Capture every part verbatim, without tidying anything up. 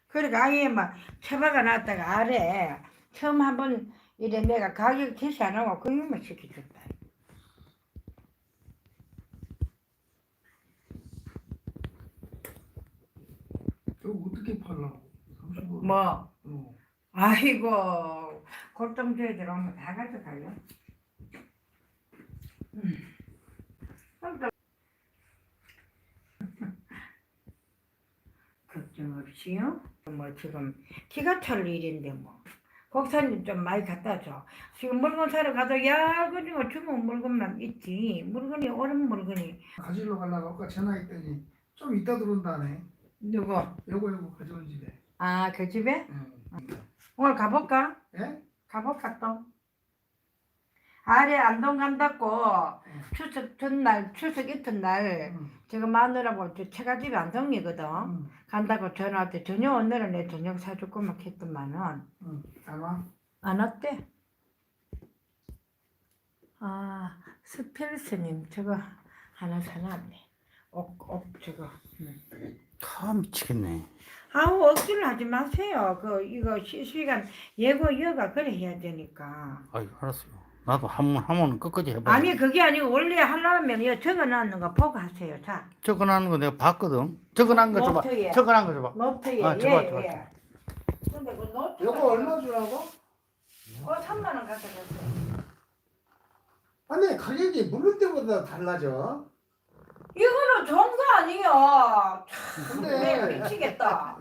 그러니까 아예 막 처박아 놨다가 아래 처음 한번 이래 내가 가격 제시 안 하고 그것만 시켜줬다. 이거 어떻게 팔라고? 삼십 원. 뭐 어. 아이고 골동주에 들어오면 다 가져가요. 음. 걱정 없이요. 뭐 지금 기가 찰 일인데 뭐 국산님 좀 많이 갖다 줘. 지금 물건 사러 가도 야 그리고 주문 물건만 있지 물건이 오른 물건이 가지러 가려고 아까 전화했더니 좀 이따 들어온다네. 누구? 요거 요거 가져온 집에. 아 그 집에? 응. 오늘 가볼까? 예? 가볼까 또? 아래 안동 간다고 추석 전날 추석 이튿날 응. 제가 마누라고 저 처가집이 안동이거든. 응. 간다고 전화 왔대. 저녁 오늘은 내 저녁 사줄 거막 했더만은 응. 잘 와? 안 왔대. 아 스펠스님 저거 하나 사놨네. 옥, 옥 저거. 응. 다 미치겠네. 아우 억지를 하지 마세요. 그 이거 실시간 예고 여가 그래 해야 되니까. 아이 알았어요. 나도 한번 하면 끝까지 해봐. 아니 그게 아니고 원래 하려면 이거 적어놨는 거 보고 하세요. 자 적어놓은 거 내가 봤거든. 적어놓은 거 줘봐. 노트에. 적어놓은 거 줘봐. 노트에 아, 예, 줘봐, 예. 줘봐, 줘봐. 근데 그 노트 요거 얼마 주라고? 어 삼만 원 가져갔어요. 아니 가격이 물을 때보다 달라져. 이거는 좋은 거 아니에요. 근데 내 미치겠다.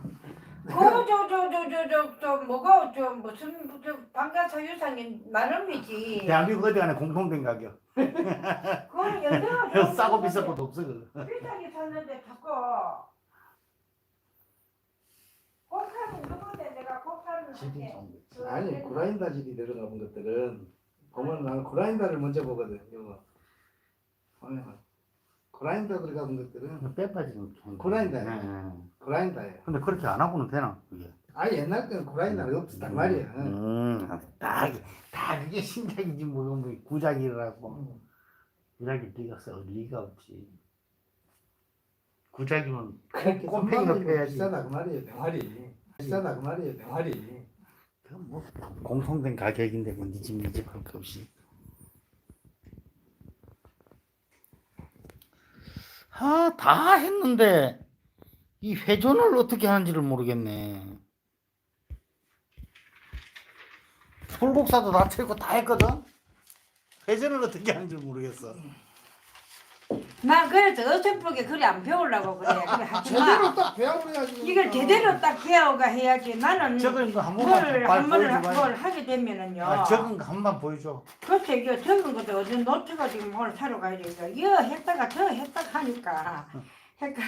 그저저저저저 뭐가 저 무슨 저 방가사유상이 나름이지. 대한민국 어디 가나 공통된 가격. 그거는 연대가 싸고 비싼 것도 없어. 그거. 비싸게 샀는데 자꾸 곡사는 누군데 내가 곡사는 집이 할게. 좋은 거. 아니 그라인더 질이 들어가본 것들은 보면 나는 그라인더를 먼저 보거든. 요거. 보면 그라인더 들어가본 것들은 빼 빠지는 좋은 거. 그라인더. 네, 네. 그라인더예요. 근데 그렇게 안 하고는 되나 그게? 아 옛날 때는 그라인더가 없었단 말이야. 음, 다, 다 그게 신작이지 뭐, 뭐 구작이라고. 응. 구작이 네가 써 리가 없지. 구작이면 그렇게 꼼팽이 높여야지. 비싸다 그 말이에요. 병아리. 비싸다 그 말이에요. 병아리. 그건 뭐 공통된 가격인데 뭐 니 집 니 집 할 거 없이. 아, 다 했는데 이 회전을 어떻게 하는지를 모르겠네. 불국사도 다 틀고 다 했거든. 회전을 어떻게 하는지 모르겠어. 나 그래서 어설프게 그래 안 배우려고 그래. 그래 하지 제대로 마. 딱 배워버려야지. 이걸 제대로 딱 배워가 해야지. 나는 적은 거 한 번만 뭘 발 한 번을 보여줘봐. 뭘 하게 되면은요. 아, 적은 거 한 번 보여줘. 그렇죠. 이거 적은 것도 어디 노트가 지금 오늘 사러 가야 되니까 이거 했다가 저 했다가 하니까 헷갈.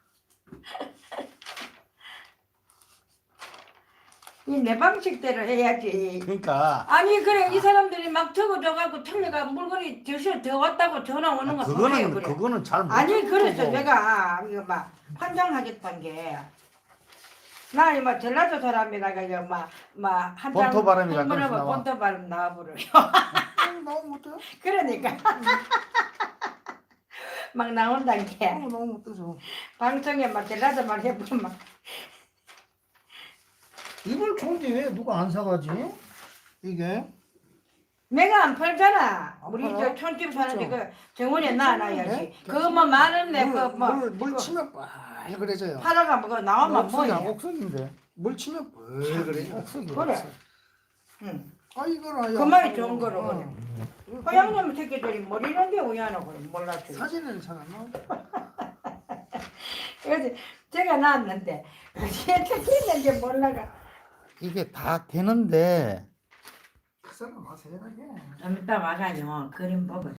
이 내 방식대로 해야지. 그러니까 아니 그래 이 사람들이 막 적어줘가지고 틀려가 물건이 저시 더 왔다고 전화 오는 거 그거는 소리예요, 그래. 그거는 잘 못. 아니 그래서 거고. 내가 이거 막 환장하겠다는 게 나이 막 전라도 사람이라가 이거 막막 한장 본토 바람이 가끔씩 한번 나와. 본토 바람 나와버려. 음, 너무 못해. 그러니까 막 나온다는 게 어, 너무 못해서. 방송에 막 전라도 말 해보면 막 이걸 좋은데 왜 누가 안 사가지? 이게 내가 안 팔잖아. 안 우리 팔아요? 저 촌집 사는데 그렇죠. 그 정원에 놔놔야지. 네? 그거 뭐 많은데 물, 그뭐 물, 물 치면 빨그래져요. 팔아가 뭐 나오면 옥석이야, 뭐해? 옥석인데. 물 치면 빨그래져. 옥석이. 그래. 응. 아 이거라. 그 말이 좋은 거로 그래. 어. 허양놈 새끼들이 머리는 게 우야노 그래 몰랐지. 사진을 잘 안 나와. 그래서 제가 나왔는데 어떻게 했는지 몰라가. 이게 다 되는데 그 사람 와서 해라게. 좀 이따 와가지고 그림 보고